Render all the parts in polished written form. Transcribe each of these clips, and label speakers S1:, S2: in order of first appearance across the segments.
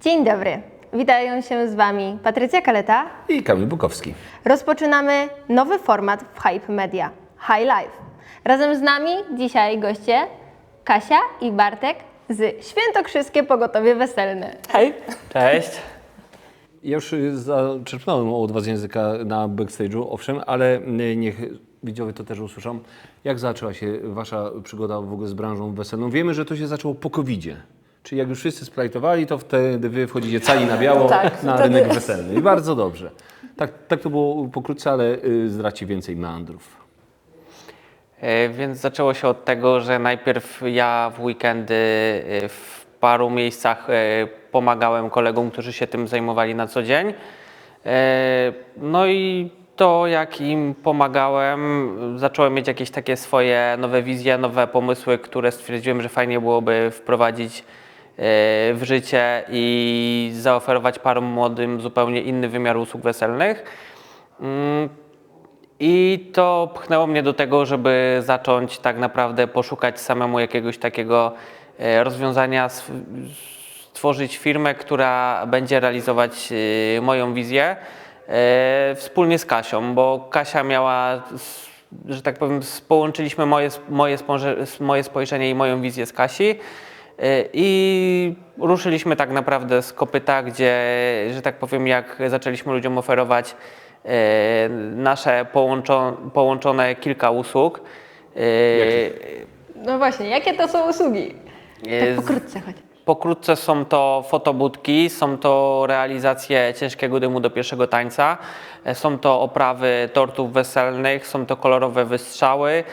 S1: Dzień dobry, witają się z Wami Patrycja Kaleta
S2: I Kamil Bukowski.
S1: Rozpoczynamy nowy format w Hype Media, High Life. Razem z nami dzisiaj goście Kasia i Bartek z Świętokrzyskie Pogotowie Weselne.
S3: Hej!
S4: Cześć.
S2: Ja już zaczerpnąłem od Was języka na backstage'u, owszem, ale niech widzowie to też usłyszą. Jak zaczęła się Wasza przygoda w ogóle z branżą weselną? Wiemy, że to się zaczęło po COVID-zie. Czyli jak już wszyscy splajtowali, to wtedy Wy wchodzicie cali na biało na rynek weselny. I bardzo dobrze. Tak to było pokrótce, ale zdradźcie więcej meandrów.
S4: Więc zaczęło się od tego, że najpierw ja w weekendy w paru miejscach pomagałem kolegom, którzy się tym zajmowali na co dzień. No i to jak im pomagałem, zacząłem mieć jakieś takie swoje nowe wizje, nowe pomysły, które stwierdziłem, że fajnie byłoby wprowadzić w życie i zaoferować parom młodym zupełnie inny wymiar usług weselnych. I to pchnęło mnie do tego, żeby zacząć tak naprawdę poszukać samemu jakiegoś takiego rozwiązania, stworzyć firmę, która będzie realizować moją wizję wspólnie z Kasią, bo Kasia miała, że tak powiem, połączyliśmy moje spojrzenie i moją wizję z Kasi i ruszyliśmy tak naprawdę z kopyta, gdzie, że tak powiem, jak zaczęliśmy ludziom oferować nasze połączone kilka usług.
S1: No właśnie, jakie to są usługi? Tak pokrótce chodź.
S4: Pokrótce są to fotobudki, są to realizacje ciężkiego dymu do pierwszego tańca, są to oprawy tortów weselnych, są to kolorowe wystrzały.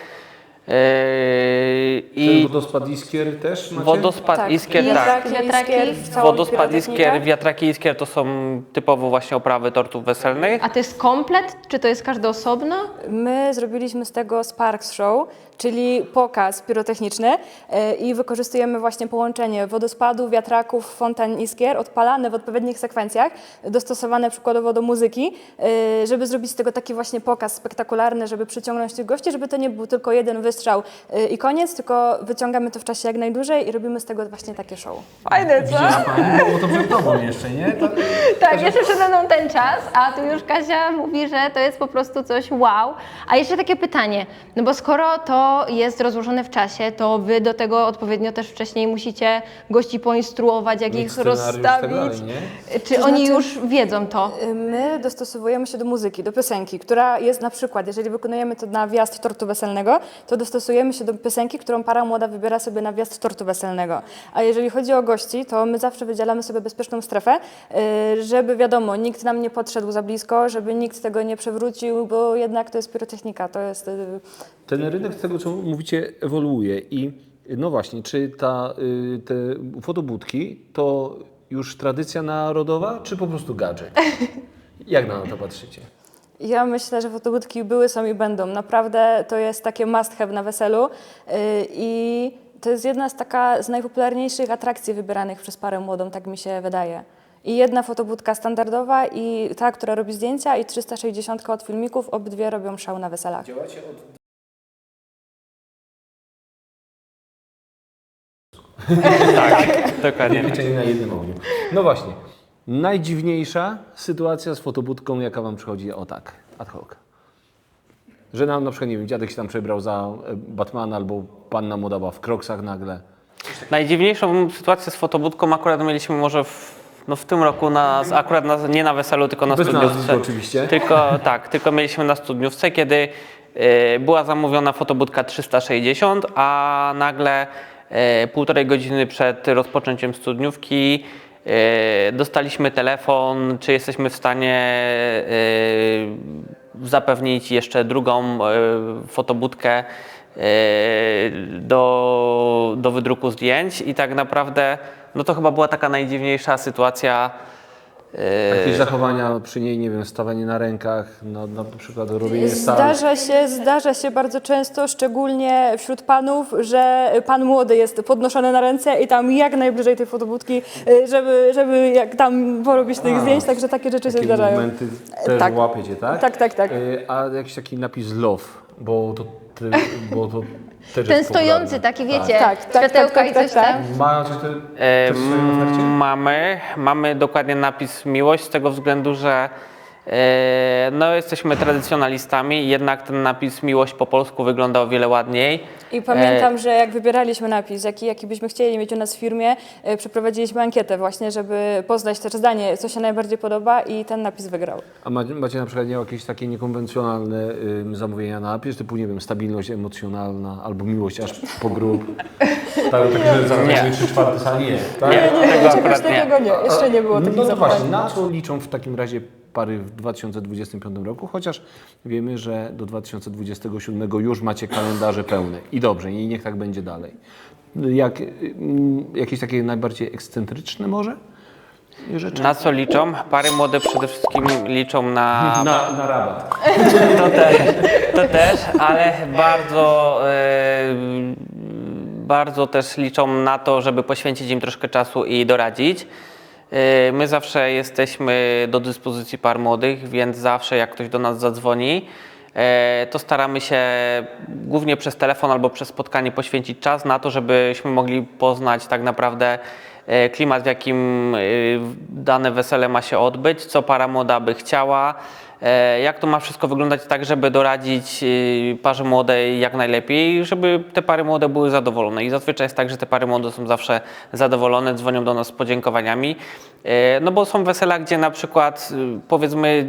S2: I wodospad Iskier też macie?
S4: Wodospad Iskier, tak. Wodospad Iskier, wiatraki Iskier to są typowo właśnie oprawy tortów weselnych.
S1: A to jest komplet, czy to jest każdy osobno?
S3: My zrobiliśmy z tego Sparks Show, czyli pokaz pirotechniczny i wykorzystujemy właśnie połączenie wodospadu, wiatraków, fontan iskier, odpalane w odpowiednich sekwencjach, dostosowane przykładowo do muzyki, żeby zrobić z tego taki właśnie pokaz spektakularny, żeby przyciągnąć tych gości, żeby to nie był tylko jeden wystrzał i koniec, tylko wyciągamy to w czasie jak najdłużej i robimy z tego właśnie takie show.
S1: Fajne, co?
S2: Było to przed Tobą jeszcze, nie?
S1: Tak, jeszcze przede mną ten czas, a tu już Kasia mówi, że to jest po prostu coś wow. A jeszcze takie pytanie, no bo skoro to jest rozłożone w czasie, to Wy do tego odpowiednio też wcześniej musicie gości poinstruować, jak ich rozstawić.
S2: Tak dalej, nie?
S1: Czy oni już wiedzą to?
S3: My dostosowujemy się do muzyki, do piosenki, która jest na przykład, jeżeli wykonujemy to na wjazd tortu weselnego, to dostosujemy się do piosenki, którą para młoda wybiera sobie na wjazd tortu weselnego. A jeżeli chodzi o gości, to my zawsze wydzielamy sobie bezpieczną strefę, żeby wiadomo, nikt nam nie podszedł za blisko, żeby nikt tego nie przewrócił, bo jednak to jest pirotechnika, to jest...
S2: Ten rynek, z tego co mówicie, ewoluuje i no właśnie, czy te fotobudki to już tradycja narodowa, czy po prostu gadżet? Jak na to patrzycie?
S3: Ja myślę, że fotobudki były, są i będą. Naprawdę to jest takie must have na weselu i to jest jedna z najpopularniejszych atrakcji wybieranych przez parę młodą, tak mi się wydaje. I jedna fotobudka standardowa i ta, która robi zdjęcia i 360 od filmików, obydwie robią szał na weselach.
S2: Działacie od...
S4: Tak, dokładnie.
S2: Pieczenie na jednym ogniu. No właśnie, najdziwniejsza sytuacja z fotobudką, jaka Wam przychodzi o tak, ad hoc. Że nam na przykład, nie wiem, dziadek się tam przebrał za Batmana albo panna młoda była w kroksach nagle.
S4: Najdziwniejszą sytuację z fotobudką akurat mieliśmy może w tym roku, nie na weselu, tylko na
S2: Bez
S4: studniówce.
S2: nazwisk oczywiście.
S4: Tylko mieliśmy na studniówce, kiedy była zamówiona fotobudka 360, a nagle półtorej godziny przed rozpoczęciem studniówki dostaliśmy telefon, czy jesteśmy w stanie zapewnić jeszcze drugą fotobudkę do wydruku zdjęć i tak naprawdę no to chyba była taka najdziwniejsza sytuacja.
S2: Jakieś zachowania przy niej, nie wiem, stawanie na rękach, na przykład robienie sal.
S3: Zdarza się bardzo często, szczególnie wśród panów, że pan młody jest podnoszony na ręce i tam jak najbliżej tej fotobudki, żeby jak tam porobić tych zdjęć, także takie rzeczy się zdarzają.
S2: Momenty też
S3: Tak.
S2: łapiecie, tak?
S3: Tak.
S2: A jakiś taki napis love, bo to Też
S1: Ten
S2: jest
S1: stojący,
S2: popularny.
S1: taki wiecie,
S3: Tak,
S1: światełka i coś tam.
S2: Mają coś też w swojej ofercie?
S4: Mamy dokładnie napis miłość z tego względu, że no, jesteśmy tradycjonalistami, jednak ten napis miłość po polsku wygląda o wiele ładniej.
S3: I pamiętam, że jak wybieraliśmy napis, jaki byśmy chcieli mieć u nas w firmie, przeprowadziliśmy ankietę właśnie, żeby poznać też zdanie, co się najbardziej podoba i ten napis wygrał.
S2: A macie na przykład jakieś takie niekonwencjonalne zamówienia na napis, typu, nie wiem, stabilność emocjonalna albo miłość aż po grób? Tak, że zamówienie 3/4 sali nie. Tak?
S4: Tego akurat
S3: Czegoś
S4: nie.
S3: takiego nie, jeszcze nie było
S2: No
S3: takich
S2: to właśnie,
S3: zachowań.
S2: na co liczą w takim razie pary w 2025 roku? Chociaż wiemy, że do 2027 już macie kalendarze pełne. I dobrze, i niech tak będzie dalej. Jakieś takie najbardziej ekscentryczne może rzeczy?
S4: Na co liczą? Pary młode przede wszystkim liczą na
S2: Na rabat.
S4: to też, ale bardzo też liczą na to, żeby poświęcić im troszkę czasu i doradzić. My zawsze jesteśmy do dyspozycji par młodych, więc zawsze jak ktoś do nas zadzwoni, to staramy się głównie przez telefon albo przez spotkanie poświęcić czas na to, żebyśmy mogli poznać tak naprawdę klimat, w jakim dane wesele ma się odbyć, co para młoda by chciała, jak to ma wszystko wyglądać tak, żeby doradzić parze młodej jak najlepiej, żeby te pary młode były zadowolone. I zazwyczaj jest tak, że te pary młode są zawsze zadowolone, dzwonią do nas z podziękowaniami. No bo są wesela, gdzie na przykład powiedzmy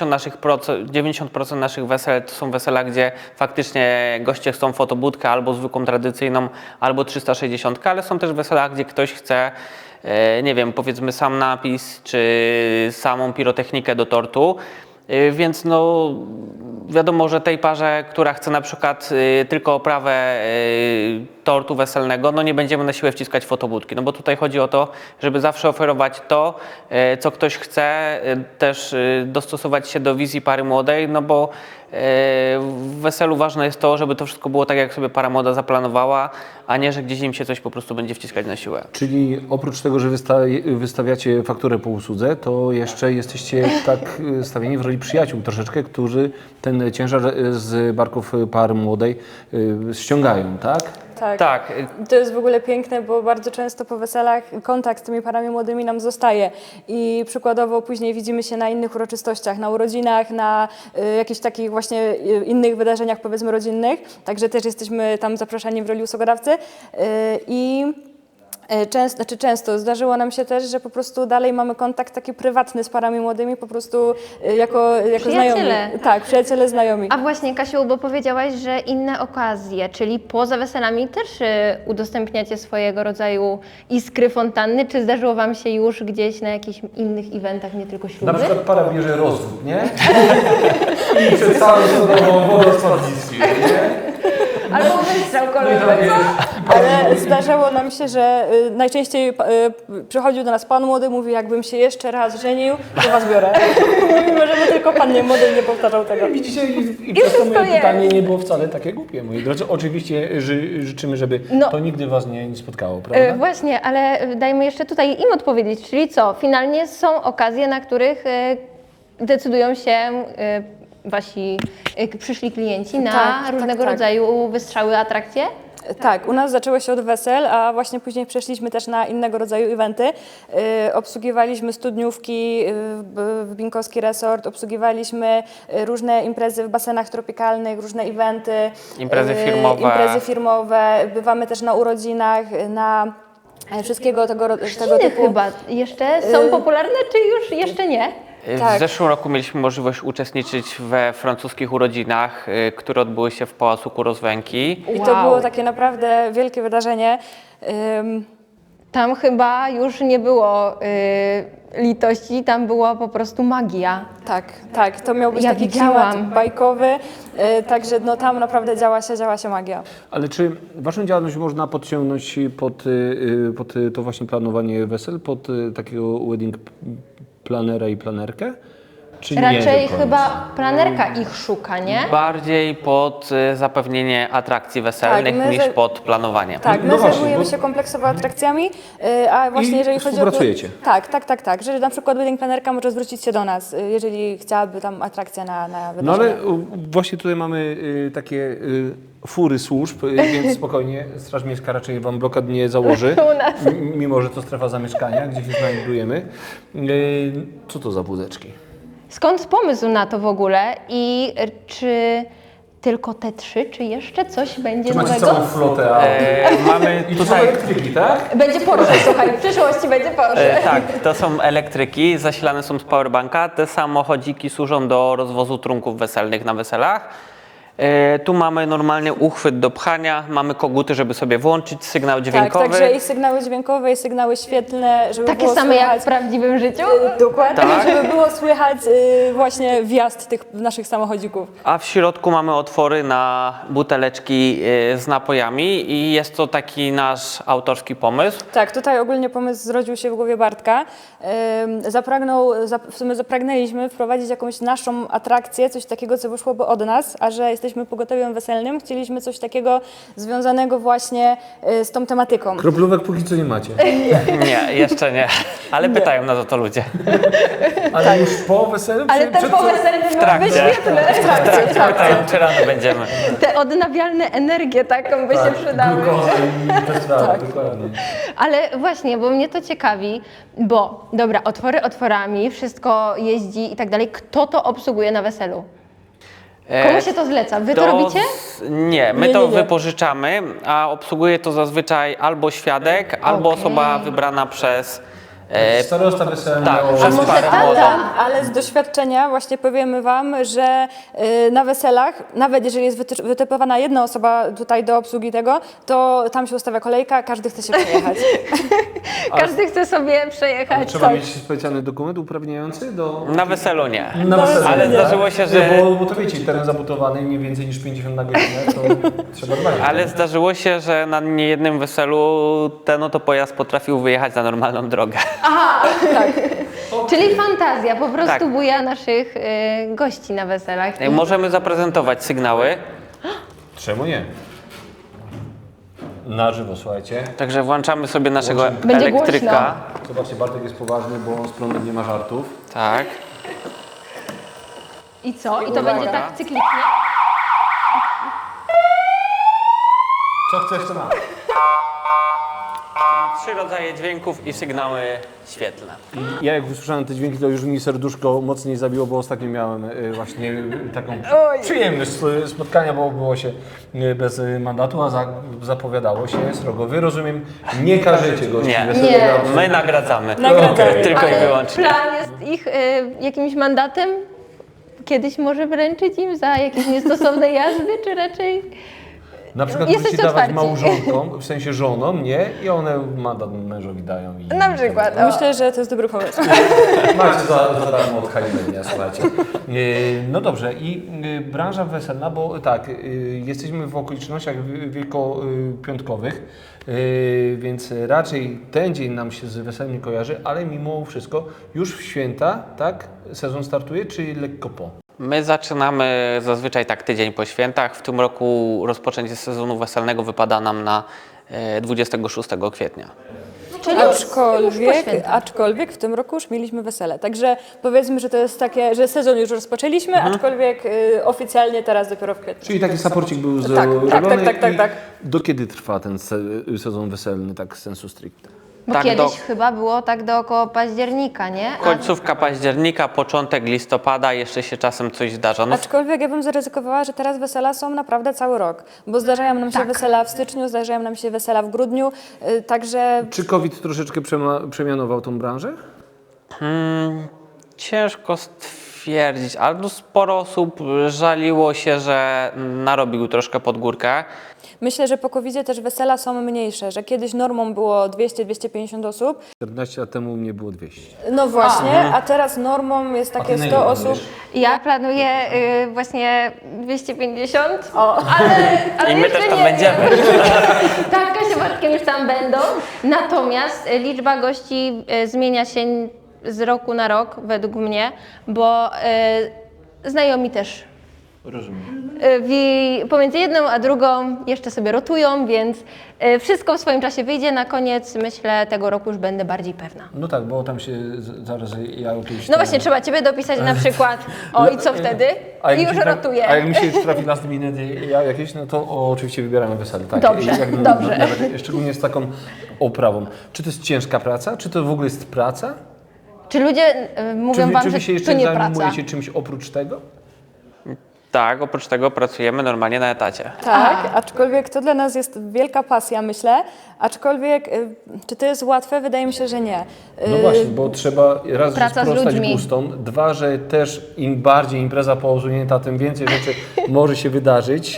S4: 90% naszych wesel to są wesela, gdzie faktycznie goście chcą fotobudkę albo zwykłą tradycyjną, albo 360, ale są też wesela, gdzie ktoś chce, nie wiem, powiedzmy sam napis, czy samą pirotechnikę do tortu. Więc no wiadomo, że tej parze, która chce na przykład tylko oprawę tortu weselnego, no nie będziemy na siłę wciskać fotobudki, no bo tutaj chodzi o to, żeby zawsze oferować to, co ktoś chce, też dostosować się do wizji pary młodej, no bo w weselu ważne jest to, żeby to wszystko było tak, jak sobie para młoda zaplanowała, a nie, że gdzieś im się coś po prostu będzie wciskać na siłę.
S2: Czyli oprócz tego, że wystawiacie fakturę po usłudze, to jeszcze jesteście tak stawieni w roli przyjaciół troszeczkę, którzy ten ciężar z barków par młodej ściągają, tak?
S4: Tak.
S3: To jest w ogóle piękne, bo bardzo często po weselach kontakt z tymi parami młodymi nam zostaje i przykładowo później widzimy się na innych uroczystościach, na urodzinach, na jakichś takich właśnie innych wydarzeniach powiedzmy rodzinnych, także też jesteśmy tam zapraszani w roli usługodawcy i często zdarzyło nam się też, że po prostu dalej mamy kontakt taki prywatny z parami młodymi, po prostu jako
S1: Przyjaciele.
S3: znajomi. Tak, przyjaciele, znajomi.
S1: A właśnie, Kasiu, bo powiedziałaś, że inne okazje, czyli poza weselami też udostępniacie swojego rodzaju iskry fontanny. Czy zdarzyło Wam się już gdzieś na jakichś innych eventach, nie tylko śluby?
S2: Na przykład para bierze rozwód, nie? I przed całym sodową wodą spadliski, nie?
S1: Albo wystrzał kolorowy.
S3: Ale zdarzało nam się, że najczęściej przychodził do nas pan młody, mówi, jakbym się jeszcze raz żenił, to was biorę. Mimo, żeby tylko pan nie młody nie powtarzał tego.
S2: Widzicie, i przez to
S1: wszystko
S2: moje pytanie
S1: jest.
S2: nie było wcale takie głupie, moi drodzy. Oczywiście życzymy, żeby
S1: No.
S2: to nigdy was nie spotkało, prawda?
S1: Właśnie, ale dajmy jeszcze tutaj im odpowiedzieć, czyli co? Finalnie są okazje, na których decydują się wasi przyszli klienci na
S3: Tak,
S1: różnego
S3: tak.
S1: rodzaju wystrzały, atrakcje?
S3: Tak, u nas zaczęło się od wesel, a właśnie później przeszliśmy też na innego rodzaju eventy. Obsługiwaliśmy studniówki w Binkowski Resort, obsługiwaliśmy różne imprezy w basenach tropikalnych, różne eventy. Imprezy firmowe. Bywamy też na urodzinach, na wszystkiego tego
S1: Chiny
S3: typu.
S1: chyba jeszcze są popularne, czy już jeszcze nie?
S3: Tak.
S4: W zeszłym roku mieliśmy możliwość uczestniczyć we francuskich urodzinach, które odbyły się w Pałacu Kurozwęki.
S3: I to
S1: Wow.
S3: było takie naprawdę wielkie wydarzenie.
S1: Tam chyba już nie było litości, tam była po prostu magia.
S3: Tak, to miał być
S1: Ja
S3: taki
S1: widziałam.
S3: klimat bajkowy, także no, tam naprawdę działa się magia.
S2: Ale czy waszą działalność można podciągnąć pod to właśnie planowanie wesel, pod takiego wedding planera i planerkę? Czy nie
S1: Raczej
S2: do końca?
S1: chyba planerka ich szuka, nie?
S4: Bardziej pod zapewnienie atrakcji weselnych
S3: Tak, my
S4: niż
S3: za-
S4: pod planowanie.
S3: Tak, my
S2: No właśnie,
S3: zajmujemy
S2: bo-
S3: się kompleksowo atrakcjami, a właśnie
S2: I
S3: jeżeli chodzi o...
S2: współpracujecie.
S3: Tak, że na przykład wedding planerka może zwrócić się do nas, jeżeli chciałaby tam atrakcja na
S2: No
S3: wydarzenie.
S2: ale właśnie tutaj mamy takie fury służb, więc spokojnie, Straż Miejska raczej wam blokad nie założy,
S1: U nas.
S2: mimo że to strefa zamieszkania, gdzie się znajdujemy. Co to za wózeczki?
S1: Skąd pomysł na to w ogóle i czy tylko te 3, czy jeszcze coś będzie
S2: Czy macie
S1: nowego?
S2: całą flotę aut?
S4: Mamy
S2: I to są
S4: tutaj
S2: elektryki, tak?
S1: Będzie Porsche, słuchaj, w przyszłości będzie Porsche.
S4: tak, to są elektryki, zasilane są z powerbanka. Te samochodziki służą do rozwozu trunków weselnych na weselach. Tu mamy normalnie uchwyt do pchania, mamy koguty, żeby sobie włączyć sygnał
S3: Tak,
S4: dźwiękowy.
S3: także i sygnały dźwiękowe, i sygnały świetlne, żeby
S1: Takie
S3: było
S1: same jak
S3: słychać,
S1: w prawdziwym życiu?
S3: dokładnie,
S4: Tak.
S3: żeby było słychać właśnie wjazd tych naszych samochodzików.
S4: A w środku mamy otwory na buteleczki z napojami i jest to taki nasz autorski pomysł.
S3: Tak, tutaj ogólnie pomysł zrodził się w głowie Bartka. W sumie zapragnęliśmy wprowadzić jakąś naszą atrakcję, coś takiego, co wyszłoby od nas, a że jesteśmy pogotowiem weselnym, chcieliśmy coś takiego związanego właśnie z tą tematyką.
S2: Kroplówek póki co nie macie.
S4: Nie, jeszcze nie, ale pytają nas o to ludzie.
S2: Ale już po weselu?
S1: Ale
S2: czy
S1: te
S2: przed-
S1: poweselne miały być
S4: trakcie.
S1: świetne.
S4: Pytają, czy rano będziemy.
S1: Te odnawialne energię taką by się przydały.
S2: Glukoza i festiwal, dokładnie.
S1: Ale właśnie, bo mnie to ciekawi, bo dobra, otwory otworami, wszystko jeździ i tak dalej. Kto to obsługuje na weselu? Komu się to zleca? Wy to robicie?
S4: Nie, my
S3: Nie,
S4: to
S3: nie, nie.
S4: wypożyczamy, a obsługuje to zazwyczaj albo świadek, albo
S1: Okej.
S4: osoba wybrana przez...
S2: Starosta weselny.
S4: tak,
S2: miał-
S4: przez
S1: może
S4: parę
S1: tata?
S4: młodą.
S3: Ale z doświadczenia właśnie powiemy Wam, że na weselach, nawet jeżeli jest wytypowana jedna osoba tutaj do obsługi tego, to tam się ustawia kolejka, każdy chce się przejechać.
S1: Każdy chce sobie przejechać.
S2: Trzeba mieć specjalny dokument uprawniający do...
S4: Na weselu nie.
S2: Na weselu,
S4: Ale
S2: nie?
S4: zdarzyło się, że...
S2: Nie, bo to wiecie, teren zabudowany nie więcej niż 50 na godzinę, to trzeba dbać.
S4: Ale zdarzyło się, że na niejednym weselu ten oto pojazd potrafił wyjechać na normalną drogę.
S1: Czyli fantazja po prostu
S4: Tak.
S1: buja naszych gości na weselach.
S4: Możemy zaprezentować sygnały,
S2: Czemu nie? Na żywo, słuchajcie.
S4: także włączamy sobie naszego
S1: Będzie
S4: elektryka.
S2: Zobaczcie, Bartek jest poważny, bo z prądem nie ma żartów.
S4: Tak.
S1: I co? I to
S4: Uwaga.
S1: będzie tak cyklicznie?
S2: Co chcesz, to masz.
S4: 3 rodzaje dźwięków i sygnały świetlne.
S2: Ja jak usłyszałem te dźwięki, to już mi serduszko mocniej zabiło, bo ostatnio miałem właśnie taką przyjemność spotkania, bo było się bez mandatu, a zapowiadało się srogo. Wy, rozumiem, nie każecie gości
S4: Nie.
S2: weselnych
S1: Nie.
S2: na-
S4: My nagradzamy.
S2: Okej.
S4: Tylko i
S1: Ale
S4: wyłącznie.
S1: plan jest ich jakimś mandatem? Kiedyś może wręczyć im za jakieś niestosowne jazdy, czy raczej...
S2: Na przykład
S1: Jesteście
S2: musicie dawać
S1: otwarci.
S2: małżonkom, w sensie żonom, nie? I one mandat mężowi dają. I
S1: Na przykład.
S3: Myślę, że to jest dobry pomysł.
S2: Macie za darmo od Halilenia, słuchajcie. No dobrze, i branża weselna, bo tak, jesteśmy w okolicznościach wielkopiątkowych, więc raczej ten dzień nam się z weselem nie kojarzy, ale mimo wszystko już w święta, tak, sezon startuje, czy lekko po?
S4: My zaczynamy zazwyczaj tak tydzień po świętach. W tym roku rozpoczęcie sezonu weselnego wypada nam na 26 kwietnia.
S1: Czyli już po świętach.
S3: Aczkolwiek w tym roku już mieliśmy wesele. Także powiedzmy, że to jest takie, że sezon już rozpoczęliśmy, aczkolwiek oficjalnie teraz dopiero w kwietniu.
S2: Czyli taki saporcik był
S3: Tak,
S2: zrobiony.
S3: tak.
S2: I do kiedy trwa ten sezon weselny, tak sensu stricte?
S1: Bo
S4: Tak,
S1: kiedyś chyba było tak do około października, nie?
S4: Końcówka października, początek listopada, jeszcze się czasem coś zdarza. No,
S3: Aczkolwiek ja bym zaryzykowała, że teraz wesela są naprawdę cały rok, bo zdarzają nam się wesela w styczniu, zdarzają nam się wesela w grudniu, także
S2: Czy COVID troszeczkę przemianował tą branżę?
S4: ciężko stwierdzić, ale no sporo osób żaliło się, że narobił troszkę pod górkę.
S3: myślę, że po COVID-zie też wesela są mniejsze, że kiedyś normą było 200-250 osób,
S2: 14 lat temu mnie było 200.
S3: no właśnie, a teraz normą jest takie 100 osób.
S1: Ja planuję właśnie 250, ale
S4: I my
S1: jeszcze
S4: też tam
S1: nie
S4: będziemy.
S1: Tak, Kasia Bartkiem już tam będą. Natomiast liczba gości zmienia się z roku na rok według mnie, bo znajomi też
S2: Rozumiem.
S1: Pomiędzy jedną a drugą jeszcze sobie rotują, więc wszystko w swoim czasie wyjdzie. Na koniec, myślę, tego roku już będę bardziej pewna.
S2: No tak, bo tam się zaraz ja jakieś...
S1: No właśnie, trzeba Ciebie dopisać na przykład, o i co wtedy? I już rotuję.
S2: A jak mi się trafi last minute ja jakieś, no to oczywiście wybieramy wesele. Tak,
S1: Dobrze, dobrze.
S2: Szczególnie z taką oprawą. Czy to jest ciężka praca? Czy to w ogóle jest praca?
S1: Czy ludzie mówią Wam,
S2: czy
S1: że
S2: wy się
S1: to
S2: jeszcze
S1: nie praca?
S2: zajmujecie czymś oprócz tego?
S4: Tak, oprócz tego pracujemy normalnie na etacie.
S3: Tak, aczkolwiek to dla nas jest wielka pasja, myślę. Aczkolwiek, czy to jest łatwe? Wydaje mi się, że nie.
S2: No właśnie, bo trzeba raz, że
S1: Praca z
S2: sprostać
S1: ludźmi.
S2: gustom, dwa, że też im bardziej impreza poosunięta, tym więcej rzeczy może się wydarzyć.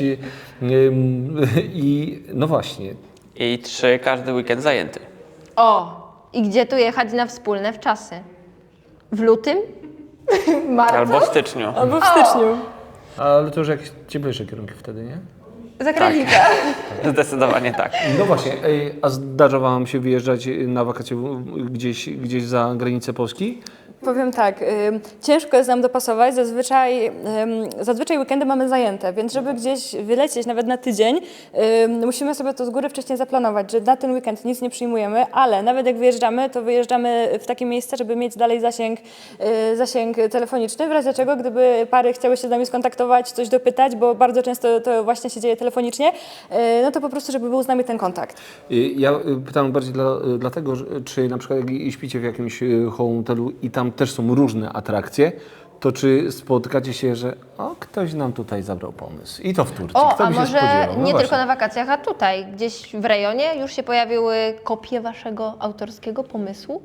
S2: I no właśnie,
S4: I 3, każdy weekend zajęty.
S1: O, i gdzie tu jechać na wspólne wczasy? W lutym? Marcu?
S4: Albo w styczniu.
S3: Albo w styczniu.
S2: ale to już jakieś cieplejsze kierunki wtedy, nie?
S1: Za granicę.
S4: Zdecydowanie tak.
S2: No właśnie, a zdarza Wam się wyjeżdżać na wakacje gdzieś za granicę Polski?
S3: Powiem tak, ciężko jest nam dopasować, zazwyczaj weekendy mamy zajęte, więc żeby gdzieś wylecieć nawet na tydzień, musimy sobie to z góry wcześniej zaplanować, że na ten weekend nic nie przyjmujemy, ale nawet jak wyjeżdżamy, to wyjeżdżamy w takie miejsce, żeby mieć dalej zasięg telefoniczny, w razie czego, gdyby pary chciały się z nami skontaktować, coś dopytać, bo bardzo często to właśnie się dzieje telefonicznie, no to po prostu, żeby był z nami ten kontakt.
S2: Ja pytam bardziej dlatego, czy na przykład jak śpicie w jakimś hotelu i tam też są różne atrakcje, to czy spotykacie się, że ktoś nam tutaj zabrał pomysł i to w Turcji,
S1: O,
S2: kto
S1: a
S2: by się
S1: może
S2: spodziewał? No
S1: nie
S2: właśnie.
S1: tylko na wakacjach, a tutaj, gdzieś w rejonie już się pojawiły kopie Waszego autorskiego pomysłu?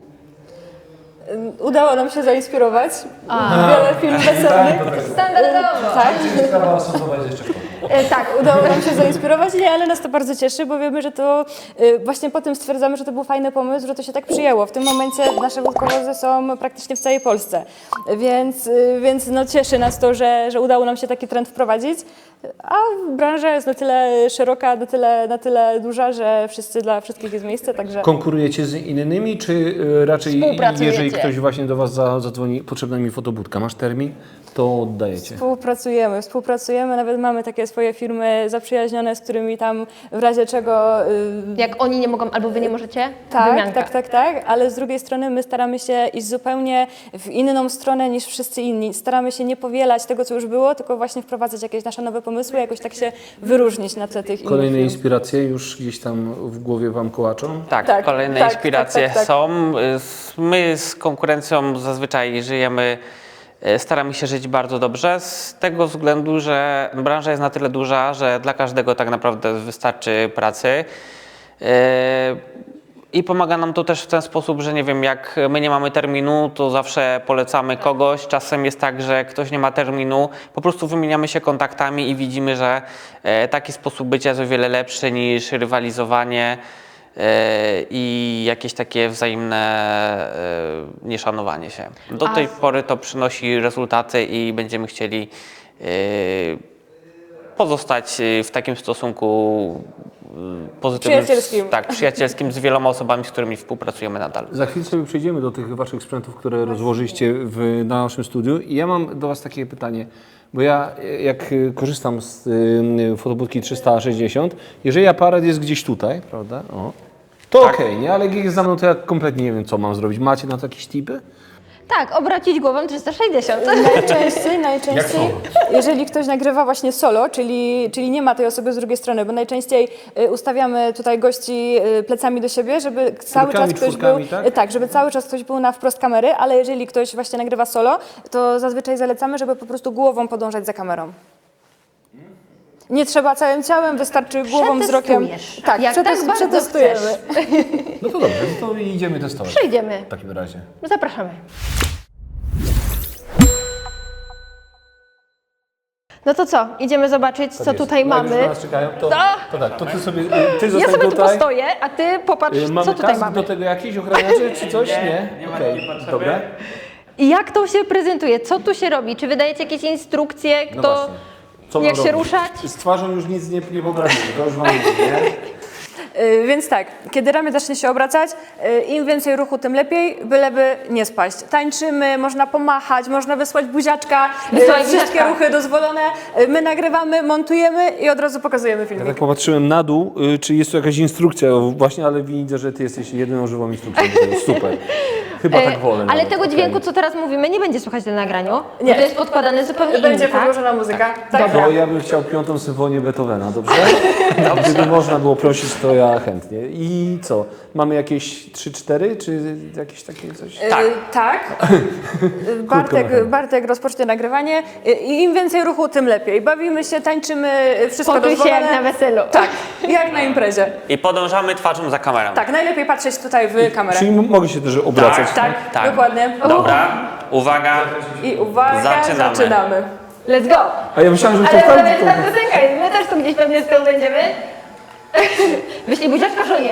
S3: Udało nam się zainspirować. Wiele filmów weselnych.
S1: Standardowo.
S3: Tak.
S2: Sprawa osobowa jest jeszcze w toku.
S3: Tak, udało nam się zainspirować, nie, ale nas to bardzo cieszy, bo wiemy, że to właśnie po tym stwierdzamy, że to był fajny pomysł, że to się tak przyjęło. W tym momencie nasze wódkowozy są praktycznie w całej Polsce, więc no cieszy nas to, że udało nam się taki trend wprowadzić, a branża jest na tyle szeroka, na tyle duża, że dla wszystkich jest miejsce, także...
S2: Konkurujecie z innymi, czy raczej
S1: Współpracujecie.
S2: jeżeli ktoś właśnie do Was zadzwoni, potrzebna mi fotobudka, masz termin, to oddajecie?
S3: Współpracujemy, nawet mamy takie swoje firmy zaprzyjaźnione, z którymi tam w razie czego...
S1: Jak oni nie mogą, albo Wy nie możecie?
S3: Tak,
S1: Wymianka.
S3: tak, ale z drugiej strony my staramy się iść zupełnie w inną stronę niż wszyscy inni. Staramy się nie powielać tego, co już było, tylko właśnie wprowadzać jakieś nasze nowe pomysły, jakoś tak się wyróżnić na tle tych
S2: Kolejne
S3: innych firm.
S2: inspiracje już gdzieś tam w głowie Wam kołaczą?
S4: Tak, kolejne inspiracje
S3: tak.
S4: są. My z konkurencją zazwyczaj żyjemy, staramy się żyć bardzo dobrze, z tego względu, że branża jest na tyle duża, że dla każdego tak naprawdę wystarczy pracy. I pomaga nam to też w ten sposób, że nie wiem, jak my nie mamy terminu, to zawsze polecamy kogoś. Czasem jest tak, że ktoś nie ma terminu, po prostu wymieniamy się kontaktami i widzimy, że taki sposób bycia jest o wiele lepszy niż rywalizowanie i jakieś takie wzajemne nieszanowanie się. Do tej pory to przynosi rezultaty i będziemy chcieli pozostać w takim stosunku pozytywnym,
S3: Przyjacielskim.
S4: tak, przyjacielskim z wieloma osobami, z którymi współpracujemy nadal.
S2: Za chwilę sobie przejdziemy do tych Waszych sprzętów, które rozłożyliście na naszym studiu. I ja mam do Was takie pytanie, bo ja jak korzystam z fotobudki 360, jeżeli aparat jest gdzieś tutaj, prawda, to
S4: Tak.
S2: okej, nie? Ale jak jest za mną, to ja kompletnie nie wiem, co mam zrobić. Macie na to jakieś tipy?
S1: Tak, obrócić głową 360.
S3: Najczęściej, jeżeli ktoś nagrywa właśnie solo, czyli nie ma tej osoby z drugiej strony, bo najczęściej ustawiamy tutaj gości plecami do siebie, żeby cały czas ktoś był,
S2: tak?
S3: żeby cały czas ktoś był na wprost kamery, ale jeżeli ktoś właśnie nagrywa solo, to zazwyczaj zalecamy, żeby po prostu głową podążać za kamerą. Nie trzeba całym ciałem, wystarczy głową, wzrokiem.
S1: Przetestujesz.
S3: Tak,
S1: Jak tak bardzo
S3: przetestujemy.
S1: chcesz.
S2: No to dobrze, no to idziemy testować.
S1: Przejdziemy.
S2: W takim razie.
S1: Zapraszamy. No to co? Idziemy zobaczyć, co tutaj mamy.
S2: Jak już na nas czekają, to tak, to ty
S1: Ja
S2: zostań
S1: sobie tu
S2: tutaj.
S1: postoję, a ty popatrz,
S2: Mamy
S1: co tutaj
S2: kask
S1: mamy.
S2: do tego jakiś ochraniaczy czy coś? Nie? Okej, dobra.
S1: I jak to się prezentuje? Co tu się robi? Czy wydajecie jakieś instrukcje,
S2: No właśnie. Co
S1: jak
S2: mam
S1: się
S2: robić?
S1: ruszać?
S2: Z twarzą już nic nie poprawimy, to już wam mówię, nie?
S3: Więc tak, kiedy ramię zacznie się obracać, im więcej ruchu, tym lepiej, byleby nie spaść. Tańczymy, można pomachać, można wysłać buziaczka,
S1: Wysłać
S3: wszystkie
S1: buziaczka.
S3: ruchy dozwolone. My nagrywamy, montujemy i od razu pokazujemy
S2: Ja
S3: filmik.
S2: tak popatrzyłem na dół, czy jest tu jakaś instrukcja właśnie, ale widzę, że ty jesteś jedyną żywą instrukcją. Super. Chyba tak wolę.
S1: Ale
S2: nawet.
S1: tego
S2: Okej.
S1: dźwięku, co teraz mówimy, nie będzie słychać na nagraniu.
S3: Nie.
S1: Bo to jest podkładane zupełnie
S3: Będzie
S1: inny, tak?
S3: podłożona muzyka. Tak.
S1: Dobra.
S2: To ja bym chciał 5. symfonię Beethovena, dobrze? Gdyby można było prosić, to ja chętnie. I co? Mamy jakieś 3-4, czy jakieś takie coś?
S3: Tak.
S2: mechanicznie.
S3: Bartek rozpocznie nagrywanie i im więcej ruchu, tym lepiej. Bawimy się, tańczymy, wszystko
S1: Poczuj się
S3: dozwolone.
S1: jak na weselu.
S3: Tak, jak na imprezie.
S4: I podążamy twarzą za kamerą.
S3: Tak, najlepiej patrzeć tutaj w kamerę.
S2: Czyli mogę się też obracać.
S3: Tak, dokładnie.
S4: Dobra, uwaga.
S3: I uwaga,
S4: Zaczynamy.
S3: zaczynamy.
S1: Let's go!
S2: A ja myślałem, że
S1: Ale
S2: to
S1: to
S2: tak.
S1: jest ta piosenka, my też tu gdzieś pewnie z tyłu będziemy. Wyślij buziaczka, żonie.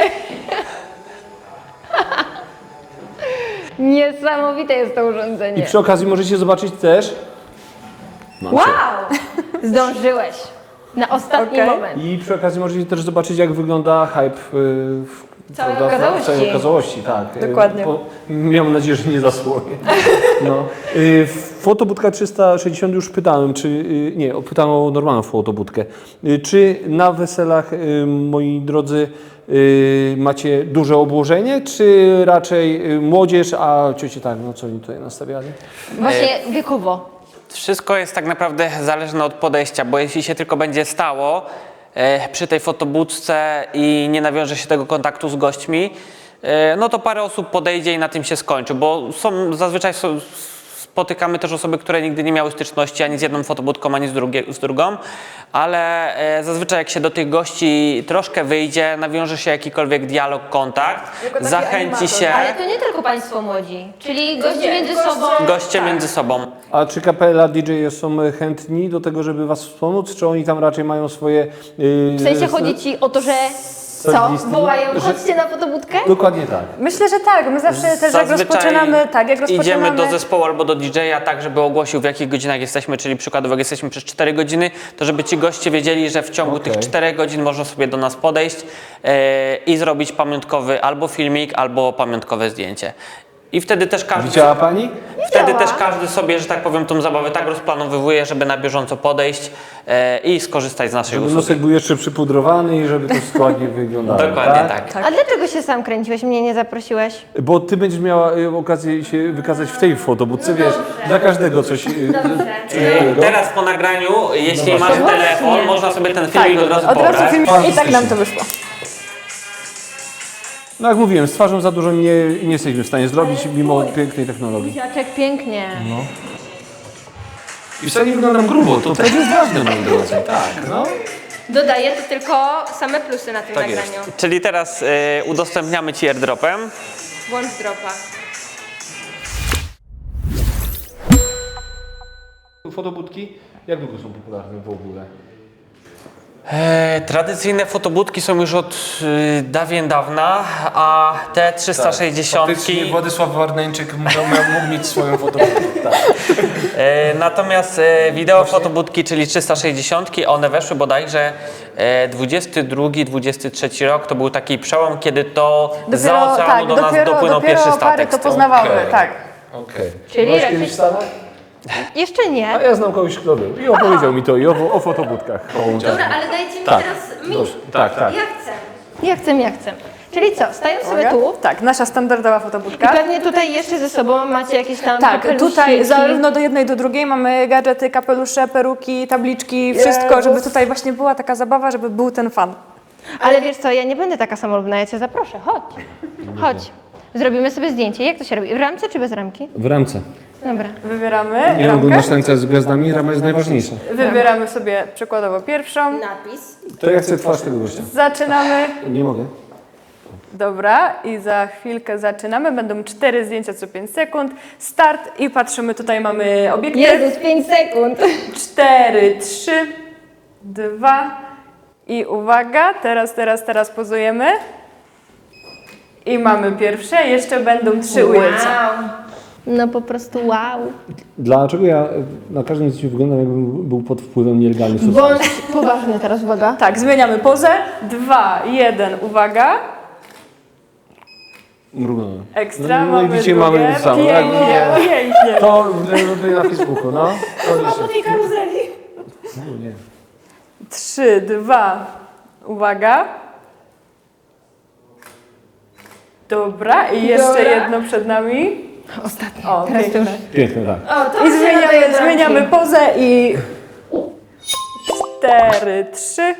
S1: Niesamowite jest to
S2: I
S1: urządzenie.
S2: przy okazji możecie zobaczyć też. Mam
S1: Wow!
S2: cię.
S1: Zdążyłeś. Na ostatni
S3: Okej.
S1: moment.
S2: I przy okazji możecie też zobaczyć, jak wygląda hype
S1: Całej
S2: prawda,
S1: okazałości.
S2: całej okazałości. Tak.
S3: Dokładnie.
S2: Miałem nadzieję, że nie zasłonię. No. Fotobudka 360 już pytałem, czy nie, pytałem o normalną fotobudkę. Czy na weselach, moi drodzy, macie duże obłożenie, czy raczej młodzież, a ciocie tak, no co oni tutaj nastawiali?
S1: Właśnie wiekowo.
S4: Wszystko jest tak naprawdę zależne od podejścia, bo jeśli się tylko będzie stało przy tej fotobudce i nie nawiąże się tego kontaktu z gośćmi, no to parę osób podejdzie i na tym się skończy, bo zazwyczaj spotykamy też osoby, które nigdy nie miały styczności ani z jedną fotobudką, ani z drugą, ale zazwyczaj jak się do tych gości troszkę wyjdzie, nawiąże się jakikolwiek dialog, kontakt,
S3: Jako taki
S4: zachęci
S3: animator.
S4: się
S1: Ale to nie tylko Państwo młodzi, czyli goście między sobą.
S4: goście między sobą.
S2: A czy kapela DJ są chętni do tego, żeby was wspomóc, czy oni tam raczej mają swoje...
S1: W sensie chodzi Ci o to, że co?
S2: Solistki?
S1: Wołają,
S2: Że-
S1: chodźcie na fotobudkę?
S2: Dokładnie tak.
S3: Myślę, że tak. My zawsze też jak
S4: Zazwyczaj
S3: rozpoczynamy,
S4: idziemy do zespołu albo do DJ-a tak, żeby ogłosił w jakich godzinach jesteśmy, czyli przykładowo jak jesteśmy przez 4 godziny, to żeby ci goście wiedzieli, że w ciągu tych 4 godzin można sobie do nas podejść i zrobić pamiątkowy albo filmik, albo pamiątkowe zdjęcie. I wtedy też każdy...
S2: Widziała pani?
S4: Wtedy
S1: Działa.
S4: też każdy sobie, że tak powiem, tą zabawę tak rozplanowywuje, żeby na bieżąco podejść i skorzystać z naszej
S2: Żeby
S4: usługi.
S2: nosek był jeszcze przypudrowany i żeby to składnie wyglądało.
S4: Dokładnie tak.
S1: A dlaczego się sam kręciłeś, mnie nie zaprosiłeś?
S2: Bo ty będziesz miała okazję się wykazać w tej fotobudce, wiesz, dla każdego coś innego.
S4: Teraz po nagraniu, jeśli masz telefon, można sobie ten filmik od razu
S3: Od razu
S4: pobrać.
S3: film i tak nam to wyszło.
S2: No jak mówiłem, z twarzą za dużo nie jesteśmy w stanie zrobić, mimo pięknej technologii.
S1: Buziaczek, pięknie.
S2: I wcale nie wyglądam grubo, to też jest ważne, moi drodzy. Tak, no.
S1: Dodaję to tylko same plusy na tym
S2: Tak
S1: nagraniu.
S4: Czyli teraz udostępniamy Ci airdropem.
S1: Włącz dropa.
S2: Fotobudki, jak długo są popularne w ogóle?
S4: Tradycyjne fotobudki są już od dawien dawna, a te 360.
S2: Faktycznie Władysław Warneńczyk mógł mieć swoją fotobudkę. Tak.
S4: Natomiast wideo fotobudki, czyli 360, one weszły bodajże 22-23 rok. To był taki przełom, kiedy to za oceanu do nas dopłynął pierwszy
S3: pary
S4: statek.
S3: to
S4: z tyłu.
S3: poznawały,
S2: Okej.
S3: tak.
S2: Okej.
S1: Czyli
S2: Byłaś
S1: raczej-
S2: kiedyś w Stanach?
S1: Jeszcze nie.
S2: A ja znam kogoś, kto był i opowiedział mi to i o fotobudkach.
S1: Dobra, ale dajcie mi
S2: Tak.
S1: teraz mi.
S2: Dobrze. Tak, tak.
S1: Ja chcę. Czyli co, stają sobie
S3: Uwaga.
S1: tu
S3: Tak, nasza standardowa
S1: i
S3: fotobudka.
S1: pewnie tutaj jeszcze ze sobą macie jakieś tam
S3: Tak,
S1: kapelusiki.
S3: tutaj zarówno do jednej, do drugiej mamy gadżety, kapelusze, peruki, tabliczki, wszystko, żeby tutaj właśnie była taka zabawa, żeby był ten fan.
S1: Ale wiesz co, ja nie będę taka samolubna, ja cię zaproszę, chodź. Chodź. Zrobimy sobie zdjęcie. Jak to się robi? W ramce czy bez ramki?
S2: W ramce.
S1: Dobra.
S3: Wybieramy
S2: Nie
S3: ramkę,
S2: oglądasz tańca z gwiazdami, rama jest najważniejsza.
S3: wybieramy sobie przykładowo pierwszą,
S1: Napis.
S2: To ja chcę twarz tego gościa.
S3: zaczynamy.
S2: Nie mogę.
S3: Dobra, i za chwilkę zaczynamy. Będą 4 zdjęcia co 5 sekund. Start i patrzymy, tutaj mamy obiektyw.
S1: Jezus, 5 sekund.
S3: 4, 3, 2 i uwaga, teraz pozujemy. I mamy pierwsze, jeszcze będą 3 ujęcia.
S1: No po prostu wow.
S2: Dlaczego ja na każdym zdjęciu wyglądam, jakbym był pod wpływem nielegalnych substancji?
S1: Bądź poważny teraz, uwaga.
S3: Tak, zmieniamy pozę. 2, 1, uwaga.
S2: Mrugnąłem.
S3: Ekstra,
S2: No,
S3: mamy
S2: widzicie,
S3: drugie.
S2: mamy to samo.
S3: Pięknie, pięknie.
S2: To robię na Facebooku, no.
S3: Po tej karuzeli.
S2: No, nie.
S3: 3, 2, uwaga. Dobra, i jeszcze
S1: Dobra.
S3: jedno przed nami.
S1: Ostatnie.
S3: O,
S1: Teraz to już.
S3: piękne.
S2: Piękne, tak.
S3: I zmieniamy pozę i 4, 3.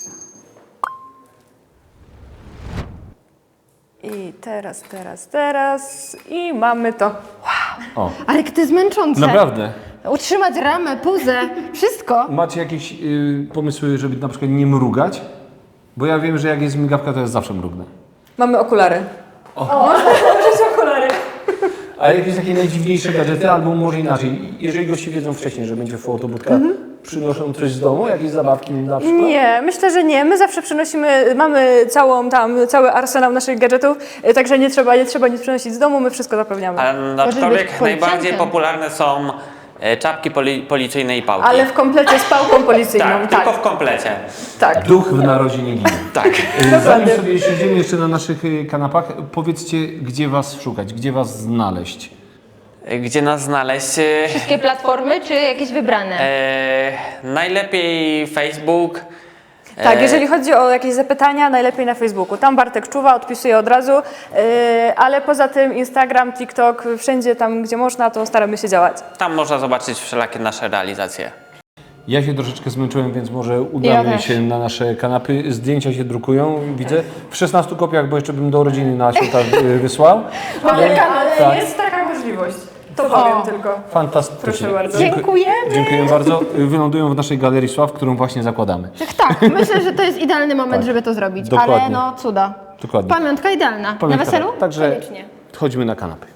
S3: I teraz i mamy to.
S2: O,
S1: Ale to jest męczące.
S2: naprawdę.
S1: Utrzymać ramę, puzę, wszystko.
S2: Macie jakieś pomysły, żeby na przykład nie mrugać? Bo ja wiem, że jak jest migawka, to ja zawsze mrugnę.
S3: Mamy okulary. Można założyć okulary.
S2: A jakieś takie najdziwniejsze gadżety, albo może inaczej, jeżeli goście wiedzą wcześniej, że będzie fotobudka, przynoszą coś z domu, jakieś zabawki na przykład?
S3: Nie, myślę, że nie. My zawsze przynosimy, mamy cały arsenał naszych gadżetów, także nie trzeba nic przynosić z domu, my wszystko zapewniamy.
S4: Ale
S1: Możesz być
S4: aczkolwiek najbardziej
S1: policjantem.
S4: popularne są czapki policyjne i pałki.
S3: Ale w komplecie z pałką policyjną,
S4: tak,
S3: tak.
S4: tylko w komplecie.
S3: Tak.
S2: Duch w narodzie nie ginie.
S4: Tak.
S2: Zanim sobie siedzimy jeszcze na naszych kanapach, powiedzcie, gdzie was szukać, gdzie was znaleźć.
S4: Gdzie nas znaleźć?
S1: Wszystkie platformy, czy jakieś wybrane?
S4: Najlepiej Facebook.
S3: Tak, jeżeli chodzi o jakieś zapytania, najlepiej na Facebooku. Tam Bartek czuwa, odpisuje od razu, ale poza tym Instagram, TikTok, wszędzie tam, gdzie można, to staramy się działać.
S4: Tam można zobaczyć wszelakie nasze realizacje.
S2: Ja się troszeczkę zmęczyłem, więc może
S1: Ja
S2: udamy
S1: też.
S2: się na nasze kanapy. Zdjęcia się drukują, widzę. W 16 kopiach, bo jeszcze bym do rodziny na święta wysłał.
S3: Ale
S2: tak.
S3: jest taka możliwość. To powiem tylko.
S2: Fantastycznie.
S3: Proszę bardzo.
S1: Dziękujemy.
S2: Dziękuję bardzo. Wylądują w naszej Galerii Sław, którą właśnie zakładamy.
S1: Tak, myślę, że to jest idealny moment, żeby to zrobić.
S2: Dokładnie.
S1: Ale no cuda.
S2: Dokładnie.
S1: Pamiątka idealna.
S2: Pamiętam.
S1: Na weselu?
S2: Także
S1: Koniecznie.
S2: chodźmy na kanapy.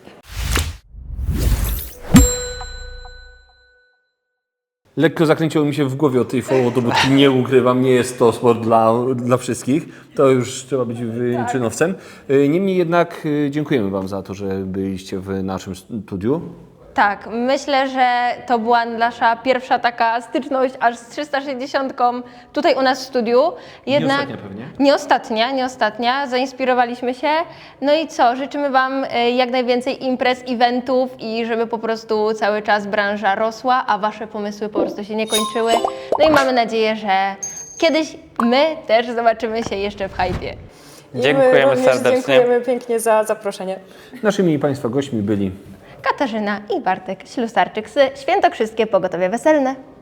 S2: Lekko zakręciło mi się w głowie o tej fotobudki, nie ukrywam, nie jest to sport dla wszystkich, to już trzeba być wyczynowcem. Niemniej jednak dziękujemy Wam za to, że byliście w naszym studiu.
S1: Tak, myślę, że to była nasza pierwsza taka styczność aż z 360 tutaj u nas w studiu. Jednak
S2: ostatnia pewnie.
S1: Nie ostatnia. Zainspirowaliśmy się. No i co? Życzymy Wam jak najwięcej imprez, eventów i żeby po prostu cały czas branża rosła, a Wasze pomysły po prostu się nie kończyły. No i mamy nadzieję, że kiedyś my też zobaczymy się jeszcze w hypie.
S4: Dziękujemy serdecznie.
S3: Dziękujemy pięknie za zaproszenie.
S2: Naszymi Państwa gośćmi byli
S1: Katarzyna i Bartek Ślusarczyk z Świętokrzyskie Pogotowie Weselne.